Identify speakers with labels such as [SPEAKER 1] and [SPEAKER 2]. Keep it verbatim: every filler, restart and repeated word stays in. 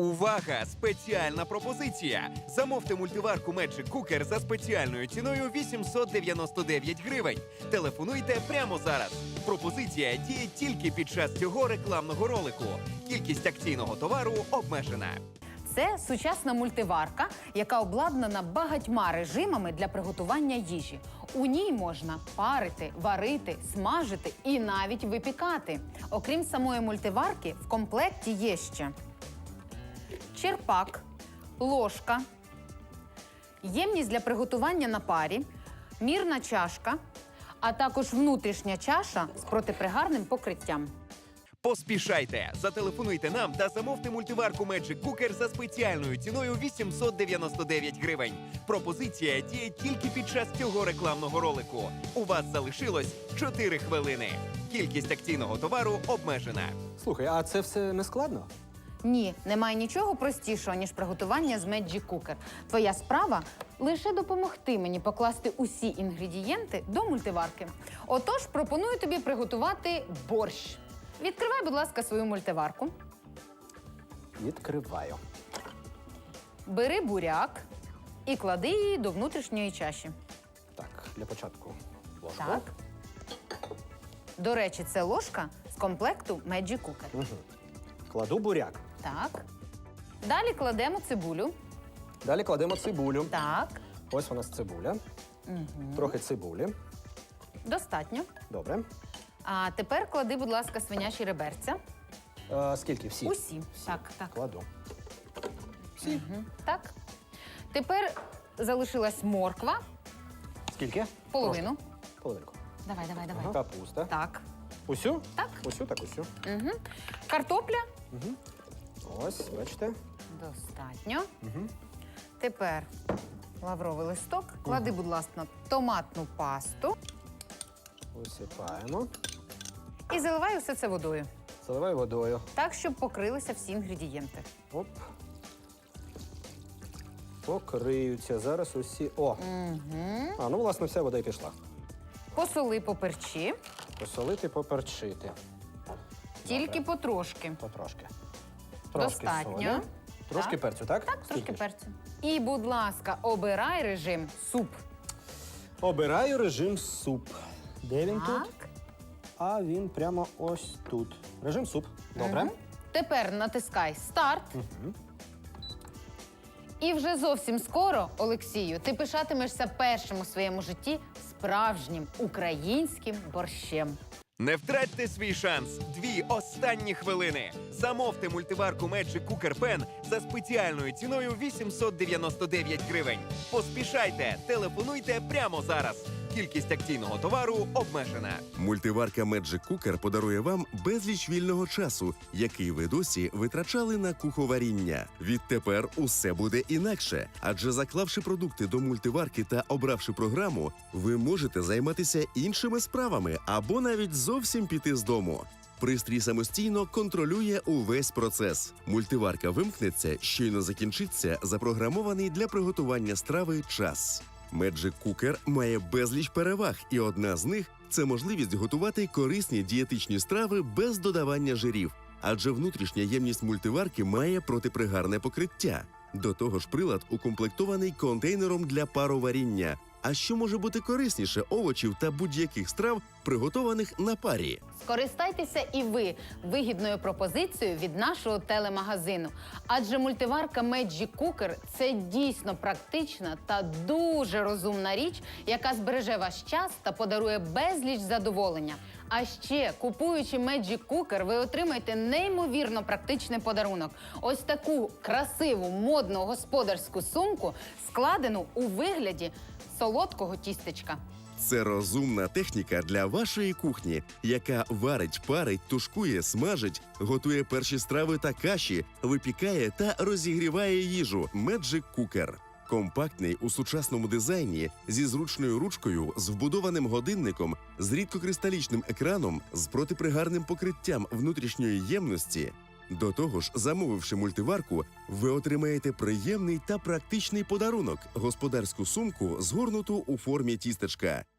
[SPEAKER 1] Увага! Спеціальна пропозиція! Замовте мультиварку Magic Cooker за спеціальною ціною вісімсот дев'яносто дев'ять гривень. Телефонуйте прямо зараз. Пропозиція діє тільки під час цього рекламного ролику. Кількість акційного товару обмежена.
[SPEAKER 2] Це сучасна мультиварка, яка обладнана багатьма режимами для приготування їжі. У ній можна парити, варити, смажити і навіть випікати. Окрім самої мультиварки, в комплекті є ще черпак, ложка, ємність для приготування на парі, мірна чашка, а також внутрішня чаша з протипригарним покриттям.
[SPEAKER 1] Поспішайте! Зателефонуйте нам та замовте мультиварку Magic Cooker за спеціальною ціною вісімсот дев'яносто дев'ять гривень. Пропозиція діє тільки під час цього рекламного ролику. У вас залишилось чотири хвилини. Кількість акційного товару обмежена.
[SPEAKER 3] Слухай, а це все не складно?
[SPEAKER 2] Ні, немає нічого простішого, ніж приготування з Magic Cooker. Твоя справа – лише допомогти мені покласти усі інгредієнти до мультиварки. Отож, пропоную тобі приготувати борщ. Відкривай, будь ласка, свою мультиварку.
[SPEAKER 3] Відкриваю.
[SPEAKER 2] Бери буряк і клади її до внутрішньої чаші.
[SPEAKER 3] Так, для початку ложку.
[SPEAKER 2] Так. До речі, це ложка з комплекту Magic Cooker.
[SPEAKER 3] Угу. Кладу буряк.
[SPEAKER 2] Так. Далі кладемо цибулю.
[SPEAKER 3] Далі кладемо цибулю.
[SPEAKER 2] Так.
[SPEAKER 3] Ось у нас цибуля.
[SPEAKER 2] Угу.
[SPEAKER 3] Трохи цибулі.
[SPEAKER 2] Достатньо.
[SPEAKER 3] Добре.
[SPEAKER 2] А тепер клади, будь ласка, свинячі реберця.
[SPEAKER 3] Е, скільки? Всі?
[SPEAKER 2] Усі. Так, так.
[SPEAKER 3] Кладу. Всі?
[SPEAKER 2] Угу. Так. Тепер залишилась морква.
[SPEAKER 3] Скільки?
[SPEAKER 2] Половину.
[SPEAKER 3] Трошки. Половинку.
[SPEAKER 2] Давай, давай, давай.
[SPEAKER 3] Ага. Капуста.
[SPEAKER 2] Так.
[SPEAKER 3] Усю?
[SPEAKER 2] Так.
[SPEAKER 3] Усю, так усю.
[SPEAKER 2] Угу. Картопля.
[SPEAKER 3] Угу. Ось, бачите.
[SPEAKER 2] Достатньо.
[SPEAKER 3] Угу.
[SPEAKER 2] Тепер лавровий листок. Клади, будь ласка, томатну пасту
[SPEAKER 3] Висипаємо.
[SPEAKER 2] і заливай усе це водою.
[SPEAKER 3] Заливаю водою.
[SPEAKER 2] Так, щоб покрилися всі інгредієнти.
[SPEAKER 3] Оп. Покриються зараз усі. О!
[SPEAKER 2] Угу.
[SPEAKER 3] А, ну, власне, вся вода й пішла.
[SPEAKER 2] Посоли, поперчи.
[SPEAKER 3] Посолити, поперчити.
[SPEAKER 2] Тільки
[SPEAKER 3] Добре.
[SPEAKER 2] потрошки.
[SPEAKER 3] Потрошки. Трошки
[SPEAKER 2] Достатньо.
[SPEAKER 3] солі. Трошки
[SPEAKER 2] Так.
[SPEAKER 3] перцю, так?
[SPEAKER 2] Так, трошки
[SPEAKER 3] Скільки ж?
[SPEAKER 2] перцю. І, будь ласка, обирай режим суп.
[SPEAKER 3] Обираю режим суп. Де він тут?
[SPEAKER 2] Так.
[SPEAKER 3] А він прямо ось тут. Режим суп. Добре.
[SPEAKER 2] Мгм. Тепер натискай старт.
[SPEAKER 3] Угу.
[SPEAKER 2] І вже зовсім скоро, Олексію, ти пишатимешся першим у своєму житті справжнім українським борщем.
[SPEAKER 1] Не втратьте свій шанс. Дві останні хвилини. Замовте мультиварку Magic Cooker Pen за спеціальною ціною вісімсот дев'яносто дев'ять гривень. Поспішайте, телефонуйте прямо зараз. Кількість акційного товару обмежена.
[SPEAKER 4] Мультиварка Magic Cooker подарує вам безліч вільного часу, який ви досі витрачали на куховаріння. Відтепер усе буде інакше, адже заклавши продукти до мультиварки та обравши програму, ви можете займатися іншими справами або навіть зовсім піти з дому. Пристрій самостійно контролює увесь процес. Мультиварка вимкнеться, щойно закінчиться запрограмований для приготування страви час. Magic Cooker має безліч переваг, і одна з них – це можливість готувати корисні дієтичні страви без додавання жирів, адже внутрішня ємність мультиварки має протипригарне покриття. До того ж, прилад укомплектований контейнером для пароваріння. А що може бути корисніше овочів та будь-яких страв, приготованих на парі?
[SPEAKER 2] Скористайтеся і ви вигідною пропозицією від нашого телемагазину. Адже мультиварка Magic Cooker – це дійсно практична та дуже розумна річ, яка збереже ваш час та подарує безліч задоволення. А ще, купуючи Magic Cooker, ви отримаєте неймовірно практичний подарунок. Ось таку красиву, модну господарську сумку, складену у вигляді солодкого тістечка.
[SPEAKER 4] Це розумна техніка для вашої кухні, яка варить, парить, тушкує, смажить, готує перші страви та каші, випікає та розігріває їжу. Magic Cooker. Компактний у сучасному дизайні, зі зручною ручкою, з вбудованим годинником, з рідкокристалічним екраном, з протипригарним покриттям внутрішньої ємності. До того ж, замовивши мультиварку, ви отримаєте приємний та практичний подарунок – господарську сумку, згорнуту у формі тістечка.